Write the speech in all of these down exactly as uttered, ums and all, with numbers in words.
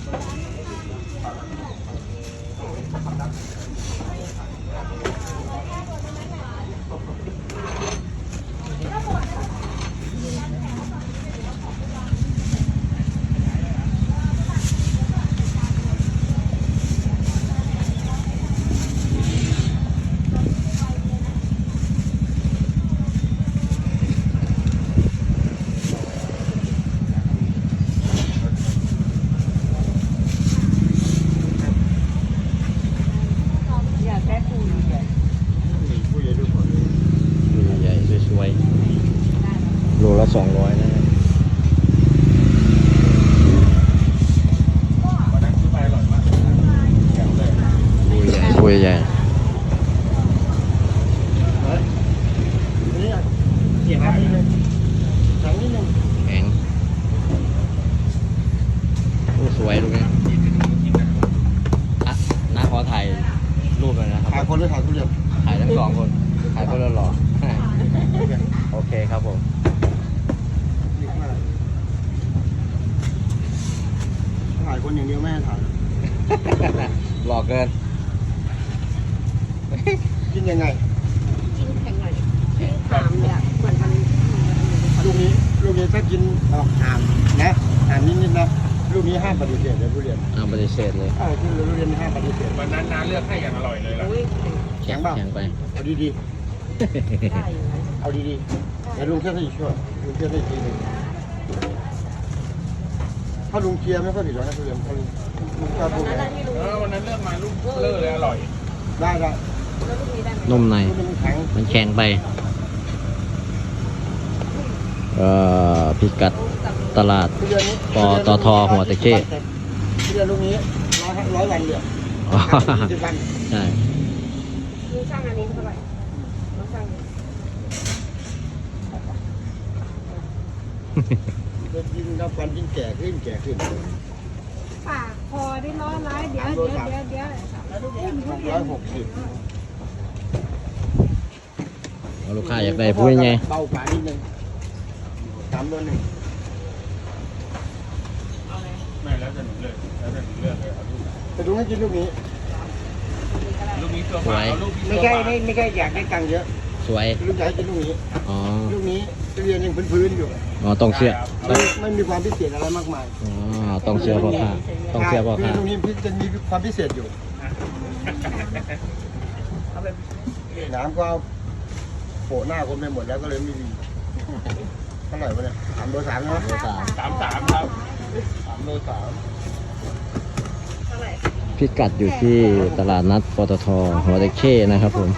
โลละสองร้อยนะบุยใหญ่บุยใหญ่แข็งโอ้สวยลูกนี้อ่ะน้าขอถ่ายรูปเลยนะครับถ่ายคนหรือถ่ายทุเรียนถ่ายทั้งสองคนถ่ายคนละหล่อโอเคครับผมถ่ายคนอย่างเดียวไม่ให้ถ่ายหล่อเกินกินยังไงกินแข็งหน่อยถามเนี่ยเหมือนมันลูกนี้ลูกนี้ถ้ากินออกหามนะหามนิดๆนะลูกนี้ห้ามปฏิเสธเลยทุเรียนห้ามปฏิเสธเลยเออที่ทุเรียนห้ามปฏิเสธวันนั้นน้าเลือกให้อย่างอร่อยเลยล่ะแข็งแข็งไปเอาดีๆเอาดีๆแล้วลุงเชื่อให้ช่วยลุงเชื่อให้ทีนึงถ้าลุงเชียร์ไม่ค่อยผิดหรอกนะทุเรียนถ้าลุงลุงชอบพูดเลยเออวันนั้นเลือกมาลูกเลือกเลยอร่อยได้ได้นุ่มในมันแข็งไปเอ่อพิกัดตลาดปตทหัวตะเข้ทุเรียนลูกนี้ร้อยร้อยวันเดียวสิบวันใช่ลุงช่างอันนี้เท่าไหร่ลุงช่างจะกินน้ำฟันยิ่งแก่ขึ้นแก่ขึ้นปากคอได้ร้อยร้ายเดี๋ยวเดี๋ยวเดี๋ยวเดี๋ยวร้อยหกสิบลูกค้าอยากได้พูดยังไงเบากว่านิดนึงสามตัวหนึ่งไม่แล้วจะหนูเลยแล้วจะหนูเลือกเลยเอาลูกแต่ดูให้กินลูกนี้ลูกนี้ตัวมาลูกนี้ไม่ใช่ไม่ไม่ใช่อยากได้ตังค์เยอะสวยลูกใหญ่กินลูกนี้อ๋อลูกนี้เรียนยังพื้นๆอยู่อ๋อต้องเชื่อไม่ไม่มีความพิเศษอะไรมากมายอ๋อต้องเชื่อพ่อค้าต้องเชื่อพ่อค้าลูกนี้จะมีความพิเศษอยู่น้ำก็เอาโผล่หน้าคนไปหมดแล้วก็เลยไม่มีเท่าไหร่วะเนี่ยสามโลสามเนาะสามสามสามครับสามโลสามพิกัดอยู่ที่ตลาดนัดปตทหัวตะเข้นะครับผม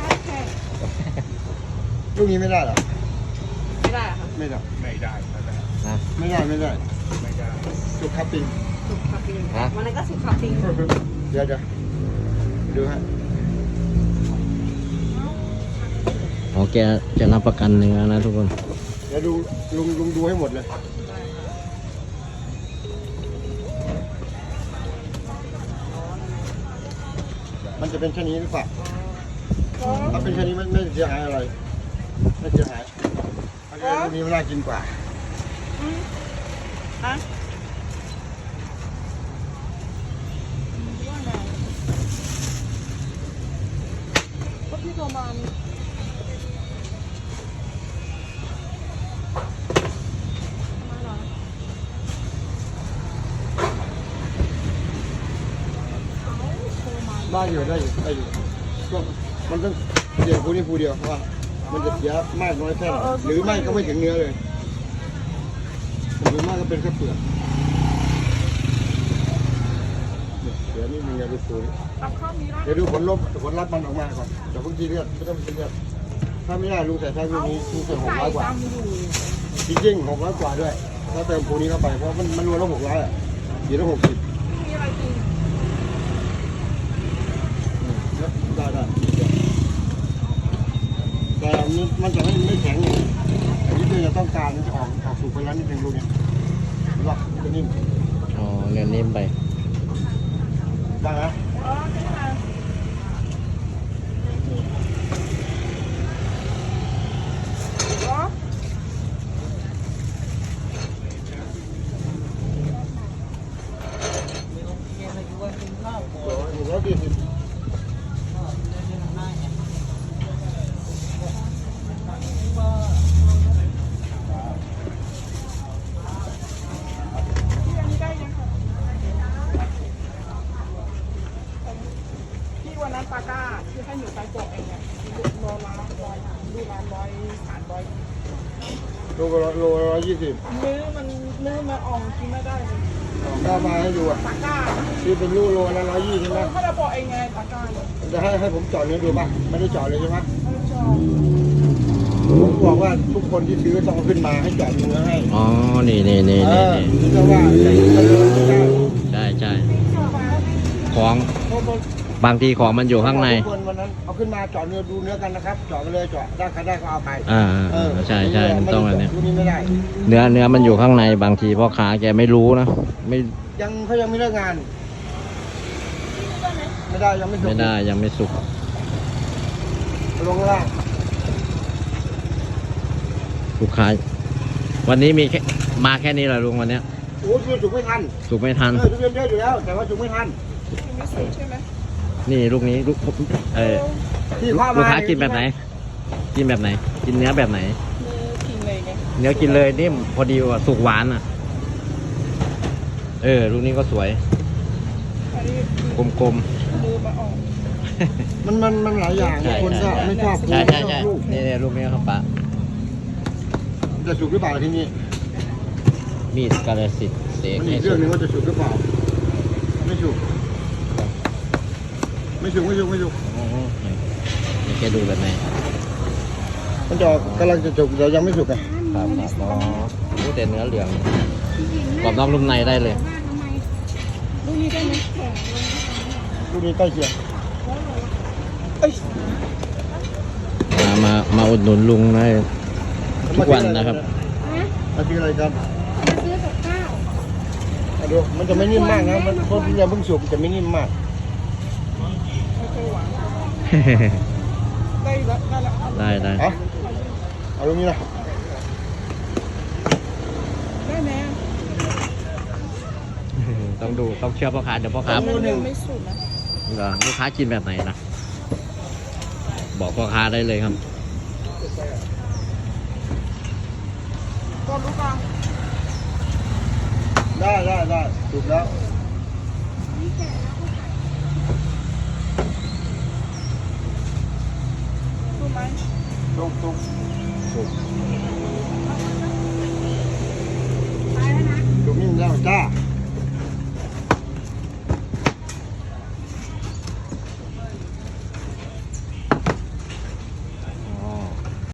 ลูกนี้ไม่ได้หรอไม่ได้ค่ะไม่ได้ไม่ได้นะไม่ได้ไม่ได้ไม่ได้สุกคับปิงสุกคับปิงวันนั้นก็สุกคับปิงเดี๋ยวเดี๋ยวดูฮะอ๋อแกจะรับประกันเนื้อนะทุกคนเดี๋ยวดูลุงลุงดูให้หมดเลยมันจะเป็นแค่นี้หรือเปล่าถ้าเป็นแค่นี้ไม่ไม่เสียหายอะไรไม่เสียหายอันนี้มันน่ากินกว่าฮะก็พี่โทรมาได้อยู่ได้อยู่ได้อยู่ก็มันต้องเสียผู้นี้ผู้เดียวเพราะว่ามันจะเสียมากน้อยแค่ไหนหรือไม่ก็ไม่ถึงเนื้อเลยหรือมากก็เป็นแค่เปลือกเดี๋ยวนี่มีเงาดูปุ๋ยเดี๋ยวดูผลลบผลลัพธ์มันออกมาก่อนเดี๋ยวพวกทีเลือดไม่ต้องทีเลือดถ้าไม่ได้ลุงใส่แพ็คลูกนี้ลุงใส่หกร้อยกว่าจริงๆหกร้อยกว่าด้วยถ้าเติมปุ๋ยนี้เข้าไปเพราะมันมันรวมแล้วหกร้อยอ่ะเดี๋ยวละหกสิบได้ได้แต่มันจะไม่ไม่แข็งอย่างนี้อันนี้คือจะต้องการออกออกสู่ไปแล้วนิดนึงลูกนี้หรอกจะนิ่มอ๋อเนื้อนิ่มไปได้ไหมอยสี่สิบที่วันนั้นปาก้าที่ให้หนูไปโปะเองเนี่ยโลละร้อยดูร้านร้อยสามร้อยโลละโลละร้อยยี่สิบมื้อมันมื้อมาอ่องกินไม่ได้เลยก็มาให้ดูอ่ะปาก้าที่เป็นลูกโลละร้อยยี่ใช่ไหมเขาจะโปะเองไงปาก้าเนี่ยจะให้ให้ผมเจาะเนื้อดูป่ะไม่ได้เจาะเลยใช่ไหมไม่ชอบผมบอกว่าทุกคนที่ซื้อต้องเอาขึ้นมาให้เจาะเนื้อให้อ๋อ นี่นี่นี่เอนี่อนี่เพราะว่าจะจะเลยไม่ได้ใช่ใช่ของเพราะมันบางทีของมันอยู่ข้างในทุกคนวันนั้นเอาขึ้นมาเจาะเนื้อดูเนื้อกันนะครับเจาะไปเลยเจาะได้ใครได้ก็เอาไปอ่าเออใช่ใช่มันต้องอันเนี้ยดูนี้ไม่ได้เนื้อเนื้อมันอยู่ข้างในบางทีพ่อค้าแกไม่รู้นะ ไม่ยังเขายังไม่เลิกงาน ไม่ได้ยังไม่จบไม่ได้ยังไม่สุกลงข้างล่างลูกค้า วันนี้มีแค่มาแค่นี้แหละลุงวันเนี้ยโอ้ยจุกไม่ทันสุกไม่ทันเออทุเรียนเยอะอยู่แล้ว แต่ว่าจุกไม่ทันกินไม่สุดใช่ไหมนี่ลูกนี้ลูกเออที่พ่อลูกมาค้ากินแบบไหน กินแบบไหน กินเนื้อแบบไหนมือกินเลยไงเนื้อกินเลยนิ่มพอดีว่าสุกหวานอ่ะ เออ ลูกนี้ก็สวยอันนี้กลมมือมาอ่องมันมันมันหลายอย่างใช่คนก็ไม่ชอบๆ ใช่ใช่ไม่ชใช่อบลูกนี่นี่ลูกนี้ครับปะจะสุกหรือเปล่าที่นี่มีดกาลสิทธิ์เสกมันให้อีกสุเรื่องกหนึงว่าจะสุกหรือเปล่า ไม่สุก ไม่สุกไม่สุกไม่สุกอ๋อนี่แกดูแบบไหนมันจะออกกำลังจะสุกแต่ยังไม่สุกไงครับครับอ๋อรู้แต่เนื้อเหลืองกรอบนอกนุ่มในได้เลยลูกนี้ได้ไหมแข็งลงลูกนี้ใกล้เคียงมามามาอุดหนุนลุงได้ทุกวันนะครับนะมาซื้ออะไรกันมาซื้อกับข้าวมาดูมันจะไม่นิ่มมากนะมันเพราะทุเรียนเพิ่งสุกจะไม่นิ่มมากไม่เคยหวานได้แล้วได้แล้วได้ได้เอ่ะเอาตรงนี้นะได้ไหมต้องดูต้องเชื่อพ่อค้าเดี๋ยวพ่อค้ามันยังไม่สุดนะเหรอลูกค้ากินแบบไหนนะบอกพ่อค้าได้เลยครับก็รู้ป่ะได้ได้ได้สุกแล้วรู้ไหมสุกสุกสุก